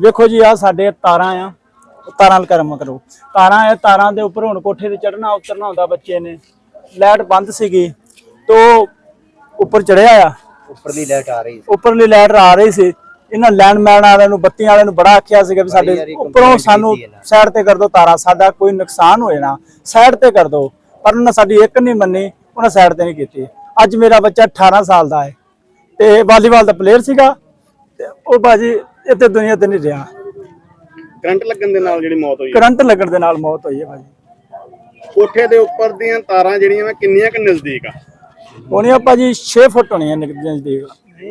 ਵੇਖੋ ਜੀ ਆ ਸਾਡੇ ਤਾਰਾਂ ਆ, ਤਾਰਾਂ ਨਾਲ ਕਰਮ ਕਰੋ, ਤਾਰਾਂ ਆ, ਤਾਰਾਂ ਦੇ ਉੱਪਰ ਹੁਣ ਕੋਠੇ ਤੇ ਚੜਨਾ ਉਤਰਨਾ ਹੁੰਦਾ ਬੱਚੇ ਨੇ। ਲਾਈਟ ਬੰਦ ਸੀਗੀ ਤੋ ਉੱਪਰ ਚੜਿਆ ਆ, ਉੱਪਰਲੀ ਲਾਈਟ ਆ ਰਹੀ ਸੀ। ਉੱਪਰਲੀ ਲਾਈਟ ਆ ਰਹੀ ਸੀ। ਇਹਨਾਂ ਲੈਂਡਮੈਨ ਵਾਲਿਆਂ ਨੂੰ, ਬੱਤੀਆਂ ਵਾਲਿਆਂ ਨੂੰ ਬੜਾ ਆਖਿਆ ਸੀਗਾ ਵੀ ਸਾਡੇ ਉੱਪਰੋਂ ਸਾਨੂੰ ਸਾਈਡ ਤੇ ਕਰ ਦਿਓ ਤਾਰਾਂ, ਸਾਡਾ ਕੋਈ ਨੁਕਸਾਨ ਹੋਏ ਨਾ, ਸਾਈਡ ਤੇ ਕਰ ਦਿਓ। ਪਰ ਉਹਨਾਂ ਸਾਡੀ ਇੱਕ ਨਹੀਂ ਮੰਨੀ, ਉਹਨਾਂ ਸਾਈਡ ਤੇ ਨਹੀਂ ਕੀਤੀ। ਅੱਜ ਮੇਰਾ ਬੱਚਾ 18 ਸਾਲ ਦਾ ਹੈ ਤੇ ਵਾਲੀਬਾਲ ਦਾ ਪਲੇਅਰ ਸੀਗਾ ਤੇ ਉਹ ਬਾਜੀ ਇੱਥੇ ਦੁਨੀਆ ਤੇ ਨਹੀਂ ਰਿਹਾ। ਕਰੰਟ ਲੱਗਣ ਦੇ ਨਾਲ ਜਿਹੜੀ ਮੌਤ ਹੋਈ ਹੈ, ਕਰੰਟ ਲੱਗਣ ਦੇ ਨਾਲ ਮੌਤ ਹੋਈ ਹੈ ਭਾਜੀ। ਕੋਠੇ ਦੇ ਉੱਪਰ ਦੀਆਂ ਤਾਰਾਂ ਜਿਹੜੀਆਂ ਵਾ ਕਿੰਨੀਆਂ ਕਿ ਨਜ਼ਦੀਕ ਆ? ਹੋਣੀਆਂ ਭਾਜੀ 6 ਫੁੱਟ ਹੋਣੀਆਂ ਨਜ਼ਦੀਕ,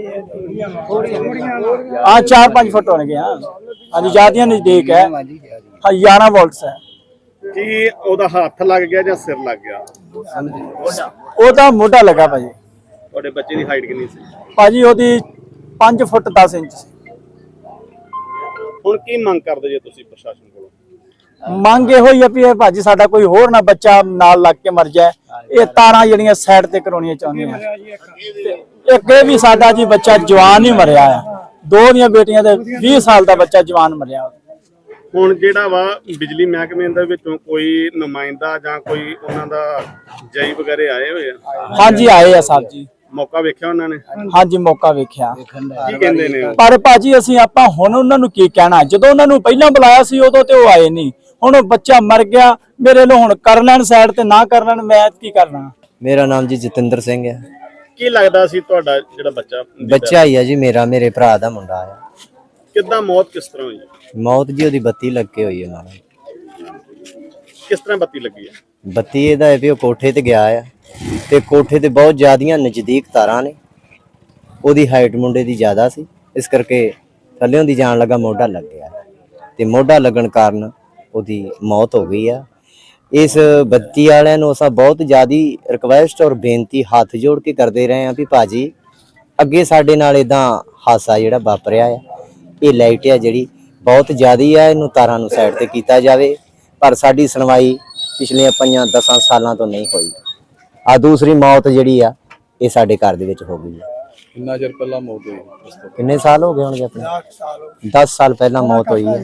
ਹਾਂ 4-5 ਫੁੱਟ ਹੋਣਗੀਆਂ। ਹਾਂਜੀ ਜ਼ਿਆਦੀਆਂ ਨਜ਼ਦੀਕ ਹੈ। ਹਾਂ 11 ਵੋਲਟਸ ਹੈ। ਕੀ ਉਹਦਾ ਹੱਥ ਲੱਗ ਗਿਆ ਜਾਂ ਸਿਰ ਲੱਗ ਗਿਆ? ਉਹਦਾ ਮੋਢਾ ਲੱਗਾ ਭਾਜੀ। ਤੁਹਾਡੇ ਬੱਚੇ ਦੀ ਹਾਈਟ ਕਿੰਨੀ ਸੀ? ਭਾਜੀ ਉਹਦੀ 5 ਫੁੱਟ 10 ਇੰਚ ਸੀ। ਹੁਣ ਕੀ ਮੰਗ ਕਰਦੇ ਜੇ ਤੁਸੀਂ ਪ੍ਰਸ਼ਾਸਨ ਕੋਲੋਂ? ਮੰਗ ਇਹੋ ਹੀ ਆ ਵੀ ਇਹ ਭਾਜੀ ਸਾਡਾ ਕੋਈ ਹੋਰ ਨਾ ਬੱਚਾ ਨਾਲ ਲੱਗ ਕੇ ਮਰ ਜਾਏ। ਇਹ ਤਾਰਾਂ ਜਿਹੜੀਆਂ ਸਾਈਡ ਤੇ ਕਰਾਉਣੀਆਂ ਚਾਹੁੰਦੇ ਆ। ਇੱਕ ਇਹ ਵੀ ਸਾਡਾ ਜੀ ਬੱਚਾ ਜਵਾਨ ਹੀ ਮਰਿਆ ਆ, 2 ਦੀਆਂ ਬੇਟੀਆਂ ਦੇ 20 ਸਾਲ ਦਾ ਬੱਚਾ ਜਵਾਨ ਮਰਿਆ। ਹੁਣ ਜਿਹੜਾ ਵਾ ਬਿਜਲੀ ਮਹਿਕਮੇ ਦੇ ਵਿੱਚੋਂ ਕੋਈ ਨੁਮਾਇੰਦਾ ਜਾਂ ਕੋਈ ਉਹਨਾਂ ਦਾ ਜਈ ਵਗੈਰੇ ਆਏ ਹੋਏ ਆ? ਹਾਂਜੀ ਆਏ ਆ ਸਾਹਿਬ ਜੀ। ਮੌਕਾ ਵੇਖਿਆ ਉਹਨਾਂ ਨੇ? ਹਾਂਜੀ ਮੌਕਾ ਵੇਖਿਆ। ਕੀ ਕਹਿੰਦੇ ਨੇ ਉਹ? ਪਰ ਭਾਜੀ ਅਸੀਂ ਆਪਾਂ ਹੁਣ ਉਹਨਾਂ ਨੂੰ ਕੀ ਕਹਿਣਾ, ਜਦੋਂ ਉਹਨਾਂ ਨੂੰ ਪਹਿਲਾਂ ਬੁਲਾਇਆ ਸੀ ਉਦੋਂ ਤੇ ਉਹ ਆਏ ਨਹੀਂ। ਹੁਣ ਉਹ ਬੱਚਾ ਮਰ ਗਿਆ, ਮੇਰੇ ਨੂੰ ਹੁਣ ਕਰ ਲੈਣ ਸਾਈਡ ਤੇ, ਨਾ ਕਰ ਲੈਣ ਮੈਂ ਕੀ ਕਰਨਾ। ਮੇਰਾ ਨਾਮ ਜੀ ਜਤਿੰਦਰ ਸਿੰਘ ਹੈ। ਕੀ ਲੱਗਦਾ ਸੀ ਤੁਹਾਡਾ ਜਿਹੜਾ ਬੱਚਾ ਹੀ ਹੈ ਜੀ ਮੇਰਾ, ਮੇਰੇ ਭਰਾ ਦਾ ਮੁੰਡਾ ਆ। ਕਿੱਦਾਂ ਮੌਤ ਕਿਸ ਤਰ੍ਹਾਂ ਹੋਈ? ਮੌਤ ਜੀ ਉਹਦੀ ਬੱਤੀ ਲੱਗ ਕੇ ਹੋਈ ਹੈ ਨਾਲ। ਕਿਸ ਤਰ੍ਹਾਂ ਬੱਤੀ ਲੱਗੀ ਹੈ? ਬੱਤੀ ਇਹਦਾ ਹੈ ਵੀ ਉਹ ਕੋਠੇ ਤੇ ਗਿਆ ਆ ਤੇ ਕੋਠੇ ਤੇ ਬਹੁਤ ਜ਼ਿਆਦੀਆਂ ਨਜ਼ਦੀਕ ਤਾਰਾਂ ਨੇ। ਉਹਦੀ ਹਾਈਟ ਮੁੰਡੇ ਦੀ ਜ਼ਿਆਦਾ ਸੀ, ਇਸ ਕਰਕੇ ਥੱਲਿਓਂ ਦੀ ਜਾਣ ਲੱਗਾ ਮੋਢਾ ਲੱਗ ਗਿਆ ਤੇ ਮੋਢਾ ਲੱਗਣ ਕਾਰਨ ਉਹਦੀ ਮੌਤ ਹੋ ਗਈ ਆ। ਇਸ ਬੱਤੀ ਵਾਲਿਆਂ ਨੂੰ ਅਸਾਂ ਬਹੁਤ ਜ਼ਿਆਦੀ ਰਿਕਵੈਸਟ ਔਰ ਬੇਨਤੀ ਹੱਥ ਜੋੜ ਕੇ ਕਰਦੇ ਰਹੇ ਆ ਵੀ ਭਾਜੀ ਅੱਗੇ ਸਾਡੇ ਨਾਲ ਇਦਾਂ ਹਾਦਸਾ ਜਿਹੜਾ ਵਾਪਰਿਆ ਆ, ਇਹ ਲਾਈਟ ਆ ਜਿਹੜੀ ਬਹੁਤ ਜ਼ਿਆਦੀ ਆ, ਇਹਨੂੰ ਤਾਰਾਂ ਨੂੰ ਸਾਈਡ ਤੇ ਕੀਤਾ ਜਾਵੇ। ਪਰ ਸਾਡੀ ਸੁਣਵਾਈ ਪਿਛਲੇ 5-10 ਸਾਲਾਂ ਤੋਂ ਨਹੀਂ ਹੋਈ। ਆ ਦੂਸਰੀ ਮੌਤ ਜਿਹੜੀ ਆ ਇਹ ਸਾਡੇ ਘਰ ਦੇ ਵਿੱਚ ਹੋ ਗਈ ਹੈ। ਕਿੰਨਾ ਚਿਰ ਪਹਿਲਾਂ ਮੌਤ ਹੋਈ? ਕਿੰਨੇ ਸਾਲ ਹੋ ਗਏ ਹੋਣਗੇ ਆਪਣੇ? 10 ਸਾਲ ਪਹਿਲਾਂ ਮੌਤ ਹੋਈ ਹੈ।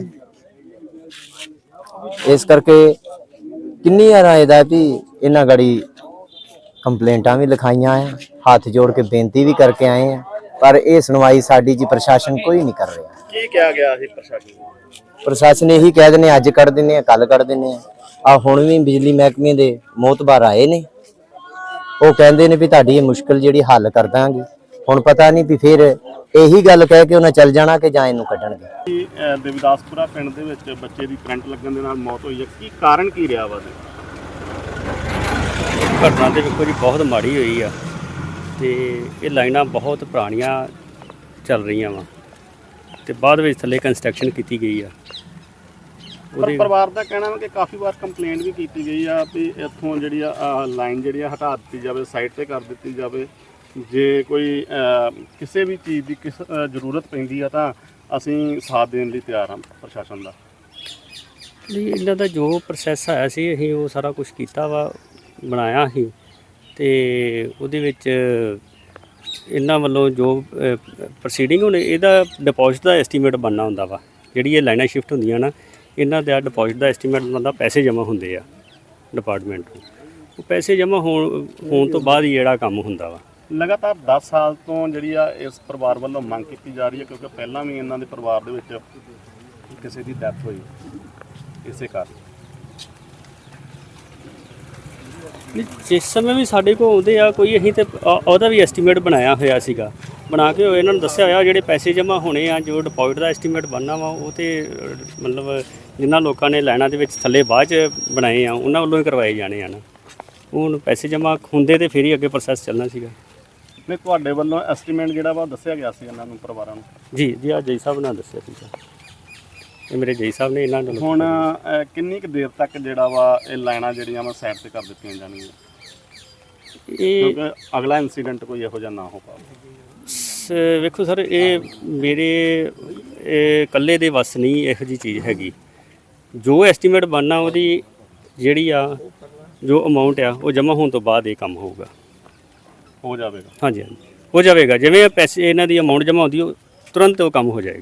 ਇਸ ਕਰਕੇ ਕਿੰਨੀ ਵਾਰ ਇਹਦਾ ਵੀ ਇਹਨਾਂ ਗੜੀ ਕੰਪਲੇਂਟਾਂ ਵੀ ਲਿਖਾਈਆਂ ਆ, ਹੱਥ ਜੋੜ ਕੇ ਬੇਨਤੀ ਵੀ ਕਰਕੇ ਆਏ ਆ, ਪਰ ਇਹ ਸੁਣਵਾਈ ਸਾਡੀ ਜੀ ਪ੍ਰਸ਼ਾਸਨ ਕੋਈ ਨਹੀਂ ਕਰ ਰਿਹਾ। ਕੀ ਕਿਹਾ ਗਿਆ ਸੀ ਪ੍ਰਸ਼ਾਸਨ ਨੂੰ? ਪ੍ਰਸ਼ਾਸਨ ਇਹੀ ਕਹਿ ਦਿੰਦੇ ਅੱਜ ਕੱਢ ਦਿੰਦੇ ਆ, ਕੱਲ ਕੱਢ ਦਿੰਦੇ ਆ। ਹੁਣ ਵੀ ਬਿਜਲੀ ਮਹਿਕਮੇ ਦੇ ਮੋਹਤਬਾਰ ਆਏ ਨੇ, ਉਹ ਕਹਿੰਦੇ ਨੇ ਵੀ ਤੁਹਾਡੀ ਇਹ ਮੁਸ਼ਕਲ ਜਿਹੜੀ ਹੱਲ ਕਰ ਦਾਂਗੇ। ਹੁਣ ਪਤਾ ਨਹੀਂ ਵੀ ਫਿਰ ਇਹੀ ਗੱਲ ਕਹਿ ਕੇ ਉਹਨਾਂ ਚੱਲ ਜਾਣਾ ਕਿ ਜਾਂ ਇਹਨੂੰ ਕੱਢਣਗੇ। ਦੇਵਦਾਸਪੁਰਾ ਪਿੰਡ ਦੇ ਵਿੱਚ ਬੱਚੇ ਦੀ ਕਰੰਟ ਲੱਗਣ ਦੇ ਨਾਲ ਮੌਤ ਹੋਈ ਹੈ, ਕੀ ਕਾਰਨ ਕੀ ਰਿਹਾ ਵਾ? ਘਟਨਾ ਤੇ ਵੇਖੋ ਜੀ ਬਹੁਤ ਮਾੜੀ ਹੋਈ ਆ ਤੇ ਇਹ ਲਾਈਨਾਂ ਬਹੁਤ ਪੁਰਾਣੀਆਂ ਚੱਲ ਰਹੀਆਂ ਵਾ ਤੇ ਬਾਅਦ ਵਿੱਚ ਥੱਲੇ ਕੰਸਟਰਕਸ਼ਨ ਕੀਤੀ ਗਈ ਆ। ਪਰ ਪਰਿਵਾਰ ਦਾ ਕਹਿਣਾ ਹੈ ਕਿ ਕਾਫੀ ਵਾਰ ਕੰਪਲੇਂਟ ਵੀ ਕੀਤੀ ਗਈ ਆ ਵੀ ਇੱਥੋਂ ਜਿਹੜੀ ਆ ਲਾਈਨ ਜਿਹੜੀ ਆ ਹਟਾ ਦਿੱਤੀ ਜਾਵੇ, ਸਾਈਡ ਤੇ ਕਰ ਦਿੱਤੀ ਜਾਵੇ। ਜੇ ਕੋਈ ਕਿਸੇ ਵੀ ਚੀਜ਼ ਦੀ ਜ਼ਰੂਰਤ ਪੈਂਦੀ ਆ ਤਾਂ ਅਸੀਂ ਸਾਥ ਦੇਣ ਲਈ ਤਿਆਰ ਹਾਂ ਪ੍ਰਸ਼ਾਸਨ ਦਾ। ਨਹੀਂ ਇਹਨਾਂ ਦਾ ਜੋ ਪ੍ਰੋਸੈਸ ਆਇਆ ਸੀ ਅਸੀਂ ਉਹ ਸਾਰਾ ਕੁਝ ਕੀਤਾ ਵਾ, ਬਣਾਇਆ ਸੀ ਤੇ ਉਹਦੇ ਵਿੱਚ ਇਹਨਾਂ ਵੱਲੋਂ ਜੋ ਪ੍ਰੋਸੀਡਿੰਗ ਹੁਣ ਇਹਦਾ ਡਿਪੋਜ਼ਿਟ ਦਾ ਐਸਟੀਮੇਟ ਬਣਨਾ ਹੁੰਦਾ ਵਾ। ਜਿਹੜੀ ਇਹ ਲਾਈਨਾਂ ਸ਼ਿਫਟ ਹੁੰਦੀਆਂ ਨਾ, ਇਹਨਾਂ ਦਾ ਡਿਪੋਜ਼ਿਟ ਦਾ ਐਸਟੀਮੇਟ ਬਣਦਾ, ਪੈਸੇ ਜਮ੍ਹਾਂ ਹੁੰਦੇ ਆ ਡਿਪਾਰਟਮੈਂਟ ਨੂੰ। ਉਹ ਪੈਸੇ ਜਮ੍ਹਾਂ ਹੋਣ ਤੋਂ ਬਾਅਦ ਹੀ ਜਿਹੜਾ ਕੰਮ ਹੁੰਦਾ ਵਾ। ਲਗਾਤਾਰ 10 ਸਾਲ ਤੋਂ ਜਿਹੜੀ ਆ ਇਸ ਪਰਿਵਾਰ ਵੱਲੋਂ ਮੰਗ ਕੀਤੀ ਜਾ ਰਹੀ ਹੈ, ਕਿਉਂਕਿ ਪਹਿਲਾਂ ਵੀ ਇਹਨਾਂ ਦੇ ਪਰਿਵਾਰ ਦੇ ਵਿੱਚ ਕਿਸੇ ਦੀ ਡੈਥ ਹੋਈ ਇਸੇ ਕਾਰਨ। ਜਿਸ ਸਮੇਂ ਵੀ ਸਾਡੇ ਕੋਲ ਆਉਂਦੇ ਆ ਕੋਈ, ਅਸੀਂ ਤੇ ਉਹਦਾ ਵੀ ਐਸਟੀਮੇਟ ਬਣਾਇਆ ਹੋਇਆ ਸੀਗਾ, ਬਣਾ ਕੇ ਇਹਨਾਂ ਨੂੰ ਦੱਸਿਆ ਹੋਇਆ ਜਿਹੜੇ ਪੈਸੇ ਜਮ੍ਹਾਂ ਹੋਣੇ ਆ, ਜੋ ਡਿਪੋਜ਼ਿਟ ਦਾ ਐਸਟੀਮੇਟ ਬਣਨਾ ਵਾ ਉਹ ਤੇ ਮਤਲਬ ਜਿਨ੍ਹਾਂ ਲੋਕਾਂ ਨੇ ਲਾਈਨਾਂ ਦੇ ਵਿੱਚ ਥੱਲੇ ਬਾਅਦ 'ਚ ਬਣਾਏ ਆ ਉਹਨਾਂ ਵੱਲੋਂ ਹੀ ਕਰਵਾਏ ਜਾਣੇ ਆ ਨਾ। ਹੁਣ ਪੈਸੇ ਜਮ੍ਹਾਂ ਹੁੰਦੇ ਤੇ ਫਿਰ ਹੀ ਅੱਗੇ ਪ੍ਰੋਸੈਸ ਚੱਲਣਾ ਸੀਗਾ। ਨਹੀਂ ਤੁਹਾਡੇ ਵੱਲੋਂ ਐਸਟੀਮੇਟ ਜਿਹੜਾ ਵਾ ਦੱਸਿਆ ਗਿਆ ਸੀ ਇਹਨਾਂ ਨੂੰ ਪਰਿਵਾਰਾਂ ਨੂੰ? ਜੀ ਆ ਜੈ ਸਾਹਿਬ ਨੇ ਦੱਸਿਆ ਸੀਗਾ, ਇਹ ਮੇਰੇ ਜੈ ਸਾਹਿਬ ਨੇ ਇਹਨਾਂ ਨੂੰ। ਹੁਣ ਕਿੰਨੀ ਕੁ ਦੇਰ ਤੱਕ ਜਿਹੜਾ ਵਾ ਇਹ ਲਾਈਨਾਂ ਜਿਹੜੀਆਂ ਵਾ ਸਾਈਡ ਤੇ ਕਰ ਦਿੱਤੀਆਂ ਜਾਣਗੀਆਂ, ਇਹ ਕਿਉਂਕਿ ਅਗਲਾ ਇਨਸੀਡੈਂਟ ਕੋਈ ਇਹੋ ਜਿਹਾ ਨਾ ਹੋ ਪਾਵੇ? ਵੇਖੋ ਸਰ, ਇਹ ਮੇਰੇ ਇਕੱਲੇ ਦੇ ਵੱਸ ਨਹੀਂ ਇਹੋ ਜਿਹੀ ਚੀਜ਼ ਹੈਗੀ। ਜੋ ਐਸਟੀਮੇਟ ਬਣਨਾ ਉਹਦੀ ਜਿਹੜੀ ਆ ਜੋ ਅਮਾਊਂਟ ਆ ਉਹ ਜਮ੍ਹਾਂ ਹੋਣ ਤੋਂ ਬਾਅਦ ਇਹ ਕੰਮ ਹੋਊਗਾ, ਹੋ ਜਾਵੇਗਾ। ਹਾਂਜੀ ਹੋ ਜਾਵੇਗਾ। ਜਿਵੇਂ ਪੈਸੇ ਇਹਨਾਂ ਦੀ ਅਮਾਊਂਟ ਜਮ੍ਹਾਂ ਹੁੰਦੀ ਉਹ ਤੁਰੰਤ ਉਹ ਕੰਮ ਹੋ ਜਾਏਗਾ।